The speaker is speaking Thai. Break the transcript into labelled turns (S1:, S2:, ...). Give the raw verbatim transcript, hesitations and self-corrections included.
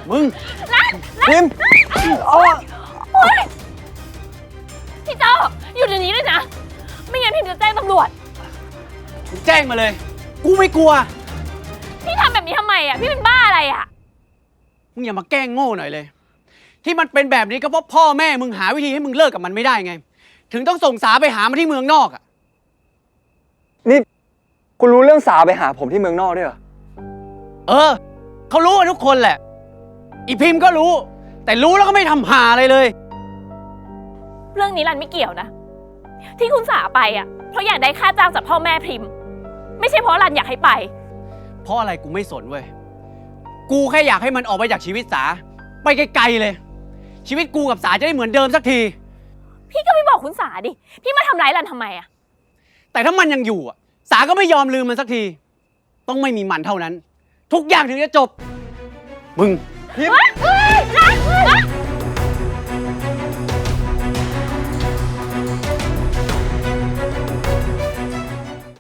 S1: มึง
S2: พิมพ์
S3: โอ๊ยพี่เจ้าอยู่เดี๋ยวนี้เลยนะไม่งั้นพิมจะแจ้งตำรวจ
S1: มึงแจ้งมาเลยกูไม่กลัว
S3: พี่ทำแบบนี้ทำไมอ่ะพี่เป็นบ้าอะไรอ่ะ
S1: มึงอย่ามาแกล้งโง่หน่อยเลยที่มันเป็นแบบนี้ก็เพราะพ่อแม่มึงหาวิธีให้มึงเลิกกับมันไม่ได้ไงถึงต้องส่งสาไปหามาที่เมืองนอกอ่ะ
S2: นี่คุณรู้เรื่องสาไปหาผมที่เมืองนอกด้วยเหรอ
S1: เออเขารู้กันทุกคนแหละอีพิมพ์ก็รู้แต่รู้แล้วก็ไม่ทำหาอะไรเลย
S3: เรื่องนี้รันไม่เกี่ยวนะที่คุณสาไปอ่ะเพราะอยากได้ค่าจ้างจากพ่อแม่พิมพ์ไม่ใช่เพราะรันอยากให้ไป
S1: เพราะอะไรกูไม่สนเว้ยกูแค่อยากให้มันออกไปจากชีวิตสาไปไกลๆเลยชีวิตกูกับสาจะได้เหมือนเดิมสักที
S3: พี่ก็ไม่บอกคุณสาดิพี่มาทำร้ายรันทำไมอ่ะ
S1: แต่ถ้ามันยังอยู่อ่ะสาก็ไม่ยอมลืมมันสักทีต้องไม่มีมันเท่านั้นทุกอย่างถึงจะจบมึง
S2: พิมพ์